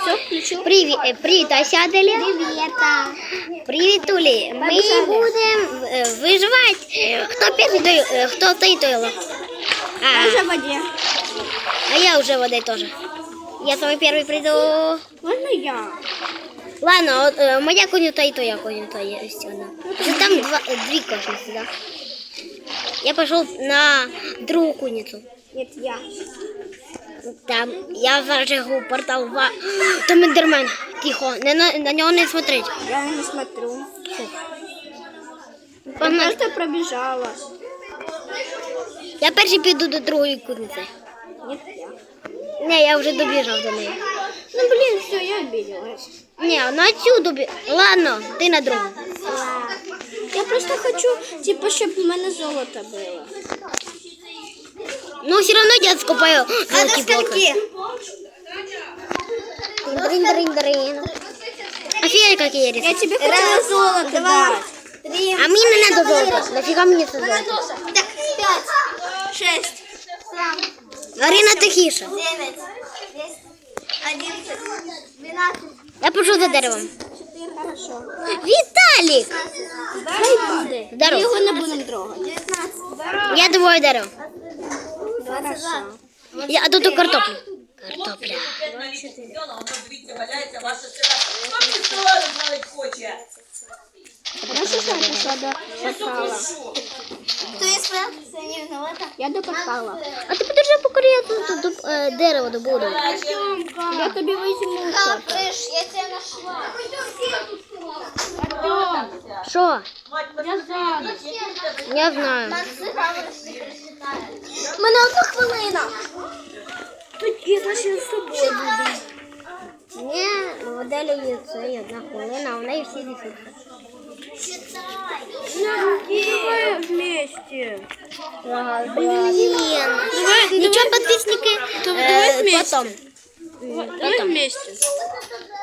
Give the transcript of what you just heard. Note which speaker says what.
Speaker 1: Все, включил.
Speaker 2: Привіт, Асяделі.
Speaker 1: Привет.
Speaker 2: Привіт, Улі. Ми будемо виживати. Хто перший, хто той тойло?
Speaker 1: Я уже в воде.
Speaker 2: А я уже в воде тоже. Я свой первый приду.
Speaker 1: Можно я?
Speaker 2: Ладно, от, моя конюта и твоя конюта есть одна. Уже там две кошницы, да? Я пошел на другую куницу.
Speaker 1: Нет, я.
Speaker 2: Там я зажигу портал в... Там Эндермен. Тихо, на него не смотреть.
Speaker 1: Я не смотрю. Я
Speaker 2: Погнали.
Speaker 1: просто пробежала.
Speaker 2: Я перший піду до другої куниці.
Speaker 1: Нет, я.
Speaker 2: Не, я вже добіжав до неї.
Speaker 1: Ну блин, все, я обиделась.
Speaker 2: Не, на цю Ладно, ти на другу.
Speaker 1: Я просто хочу, типа, щоб у мене золото було.
Speaker 2: Ну, все равно я скупаю золоті блоки. Дрин. Офигеть, какие риски.
Speaker 1: Я тебе хотела золото дать.
Speaker 2: А мне не надо золото. Нафига мне это золото?
Speaker 1: 5, 6,
Speaker 2: Арина тихіше.
Speaker 1: 9, 10, 11, 12.
Speaker 2: Я пишу за деревом.
Speaker 1: 4, хорошо.
Speaker 2: Віталік!
Speaker 1: Хай буде. Ми
Speaker 2: Здорово.
Speaker 1: його не будемо трогати. 19,
Speaker 2: Я двоє дерево.
Speaker 1: хорошо.
Speaker 2: А тут і картоплю. Картопля.
Speaker 3: Дивіться, валяється ваша сира. Хто мені стола розвалить хоче?
Speaker 1: Хорошо, що я пішла до портала.
Speaker 4: Кто я спал? Я не виновата.
Speaker 1: Я до портала.
Speaker 2: А ти подержи, поки я тут дерево добуду.
Speaker 1: Я тобі візьму
Speaker 4: Да,
Speaker 1: щось.
Speaker 4: слышь, я тебя нашла.
Speaker 2: Що?
Speaker 1: Я знаю.
Speaker 2: Я знаю.
Speaker 4: У мене одна хвилина.
Speaker 1: Я значить з собою буду.
Speaker 2: Ні, у моделі є це одна хвилина, а в неї всі ресурси.
Speaker 1: Давай вместе.
Speaker 2: Блін. Нічого, підписники.
Speaker 1: Давай вместе.
Speaker 2: Потом.
Speaker 1: Давай вместе.